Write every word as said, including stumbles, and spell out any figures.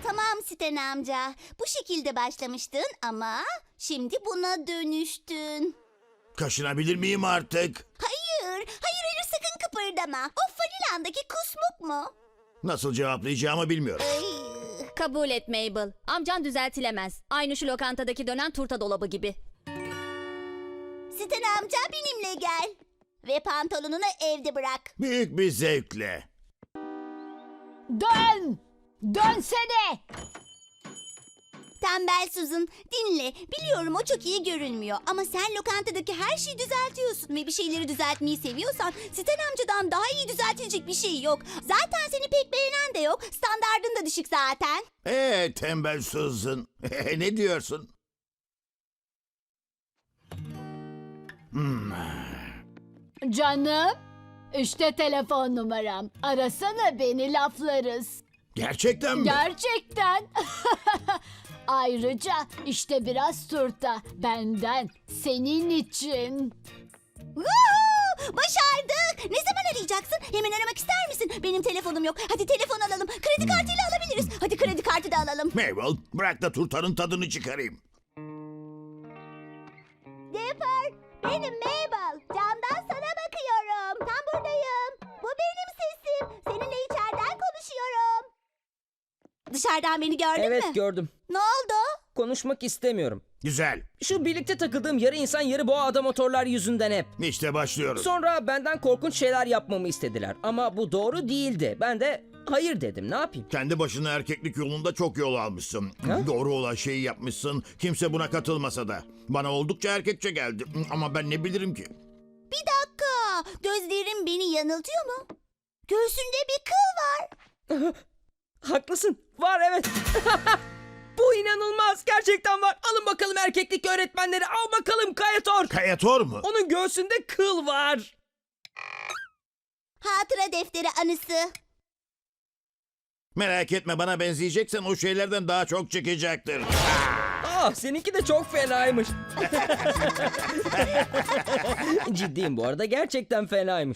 Tamam Sten amca. Bu şekilde başlamıştın ama şimdi buna dönüştün. Kaşınabilir miyim artık? Hayır, hayır hayır sakın kıpırdama. O fanilandaki kusmuk mu? Nasıl cevaplayacağımı bilmiyorum. Ay. Kabul et Mabel. Amcan düzeltilemez. Aynı şu lokantadaki dönen turta dolabı gibi. Sten amca benimle gel. Ve pantolonunu evde bırak. Büyük bir zevkle. Dön! Dönsene! Tembel Susan, dinle. Biliyorum o çok iyi görünmüyor ama sen lokantadaki her şeyi düzeltiyorsun ve bir şeyleri düzeltmeyi seviyorsan Sten amcadan daha iyi düzeltilecek bir şey yok. Zaten seni pek beğenen de yok. Standardın da düşük zaten. Ee tembel Susan. Ne diyorsun? Canım, işte telefon numaram. Arasana beni, laflarız. Gerçekten mi? Gerçekten. Ayrıca işte biraz turta benden, senin için. Woohoo! Başardık. Ne zaman arayacaksın? Hemen aramak ister misin? Benim telefonum yok. Hadi telefon alalım. Kredi kartıyla alabiliriz. Hadi kredi kartı da alalım. Mabel, bırak da turtanın tadını çıkarayım. Dipper, benim Mabel. Camdan sana bakıyorum. Tam buradayım. Bu benim sesim. Seninle içeriden konuşuyorum. Dışarıdan beni gördün Evet mü? gördüm. Ne oldu? Konuşmak istemiyorum. Güzel. Şu birlikte takıldığım yarı insan yarı boğa ada motorlar yüzünden hep. İşte başlıyoruz. Sonra benden korkunç şeyler yapmamı istediler. Ama bu doğru değildi. Ben de hayır dedim. Ne yapayım? Kendi başına erkeklik yolunda çok yol almışsın. Ha? Doğru olan şeyi yapmışsın. Kimse buna katılmasa da. Bana oldukça erkekçe geldi. Ama ben ne bilirim ki? Bir dakika. Gözlerim beni yanıltıyor mu? Göğsünde bir kıl var. Haklısın. Var evet. Bu inanılmaz. Gerçekten var. Alın bakalım erkeklik öğretmenleri. Al bakalım Kayator. Kayator mu? Onun göğsünde kıl var. Hatıra defteri anısı. Merak etme, bana benzeyeceksen o şeylerden daha çok çıkacaktır. Ah seninki de çok fenaymış. Ciddiyim bu arada. Gerçekten fenaymış.